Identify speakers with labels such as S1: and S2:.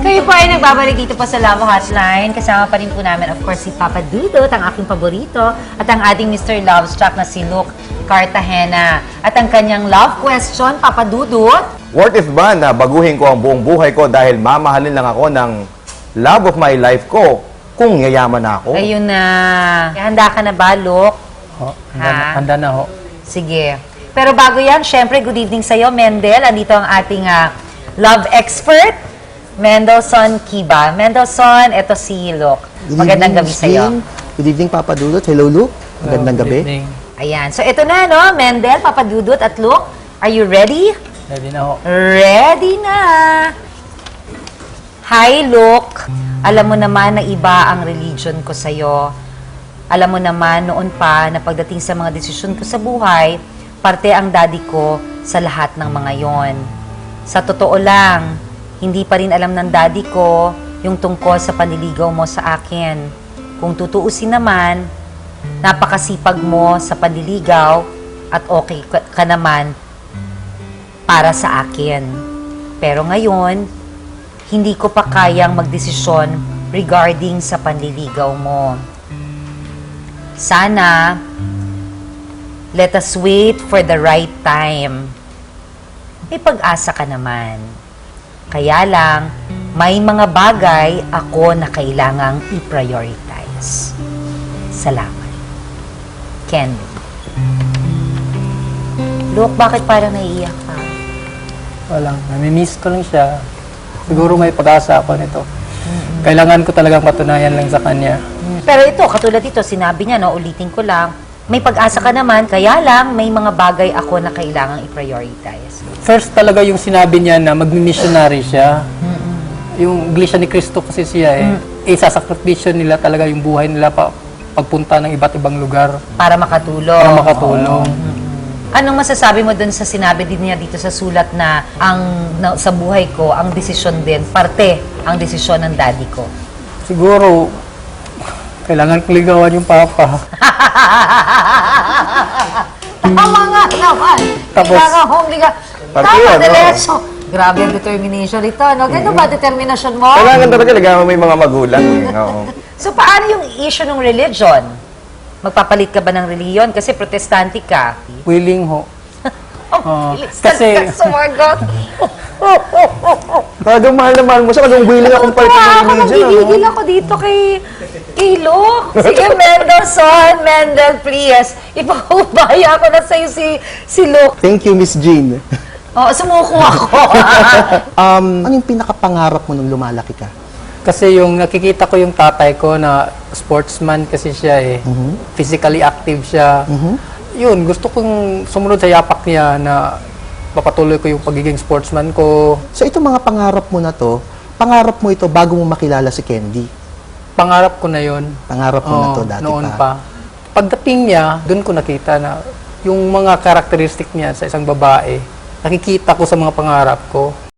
S1: Kayo po ay nagbabalik dito po sa Love Hotline. Kasama pa rin po namin, of course, si Papa Dudut, ang aking paborito, at ang ating Mr. Lovestruck na si Luke Cartagena. At ang kanyang love question, Papa Dudut.
S2: Worth it ba na baguhin ko ang buong buhay ko dahil mamahalin lang ako ng love of my life ko kung yayaman na ako?
S1: Ayun na. Handa ka na ba, Luke?
S3: Ho,
S1: Ha?
S3: handa na ho.
S1: Sige. Pero bago yan, syempre, good evening sa'yo, Mendel. Andito ang ating love expert, Mendelson Kiba. Mendelson, eto si Luke. Magandang gabi sa'yo.
S4: Good evening, Papa Dudut. Hello, Luke. Magandang
S3: Good
S4: gabi.
S3: evening.
S1: Ayan. So, ito na, no? Mendel, Papa Dudut at Luke. Are you ready?
S3: Ready na ho.
S1: Ready na! Hi, Luke. Alam mo naman na iba ang religion ko sa'yo. Alam mo naman noon pa na pagdating sa mga desisyon ko sa buhay, parte ang daddy ko sa lahat ng mga yon. Sa totoo lang, hindi pa rin alam ng daddy ko yung tungkol sa panliligaw mo sa akin. Kung tutuusin naman, napakasipag mo sa panliligaw at okay ka naman para sa akin. Pero ngayon, hindi ko pa kayang magdesisyon regarding sa panliligaw mo. Sana, let us wait for the right time. May pag-asa ka naman. Kaya lang, may mga bagay ako na kailangang i-prioritize. Salamat. Candy. Look, bakit parang naiiyak ka?
S3: Walang, namimiss ko lang siya. Siguro may pag-asa ako nito. Kailangan ko talagang patunayan lang sa kanya.
S1: Pero ito, katulad ito, sinabi niya, no, ulitin ko lang, may pag-asa ka naman, kaya lang may mga bagay ako na kailangang i-prioritize.
S3: First talaga yung sinabi niya na magmi-missionary siya. Yung Iglesia ni Cristo kasi siya eh. Isasakripisyo nila talaga yung buhay nila pagpunta ng iba't ibang lugar
S1: Para makatulong.
S3: para makatulong.
S1: Anong masasabi mo dun sa sinabi din niya dito sa sulat na sa buhay ko, ang desisyon din, parte ang desisyon ng daddy ko?
S3: Siguro, kailangan kong ligawan yung papa.
S1: Tama nga naman.
S3: Tapos-
S1: Kailangan kong
S2: Parte
S1: Tama,
S2: yun,
S1: diretso. Grabe ang determination ito, no? Ganito ba determinasyon mo?
S2: Kailangan talaga ligawan mo may mga magulang. Oo.
S1: So, paano yung issue ng religion? Magpapalit ka ba ng reliyon? Kasi protestante ka.
S3: Willing ho.
S1: Oh,
S3: kasi-
S1: ka sumagot.
S2: Talagang mahal na mahal mo siya. Talagang willing akong palit ng
S1: Ako,
S2: religion.
S1: nagigigil ako dito kay Luke. Sige, Mendelson, Mendel, please. Ipaubaya ko na sa'yo si Luke.
S4: Thank you, Miss Jean.
S1: Oh, sumuko ako.
S4: Ano yung pinakapangarap mo nung lumalaki ka?
S3: Kasi yung nakikita ko yung tatay ko na sportsman kasi siya eh. Physically active siya. Yun, gusto kong sumunod sa yapak niya na papatuloy ko yung pagiging sportsman ko.
S4: So, itong mga pangarap mo na to, pangarap mo ito bago mo makilala si Candy.
S3: Pangarap ko na yun.
S4: Pangarap mo na to
S3: Oo,
S4: dati
S3: noon
S4: pa.
S3: pa. Pagdating niya, doon ko nakita na yung mga karakteristik niya sa isang babae, nakikita ko sa mga pangarap ko.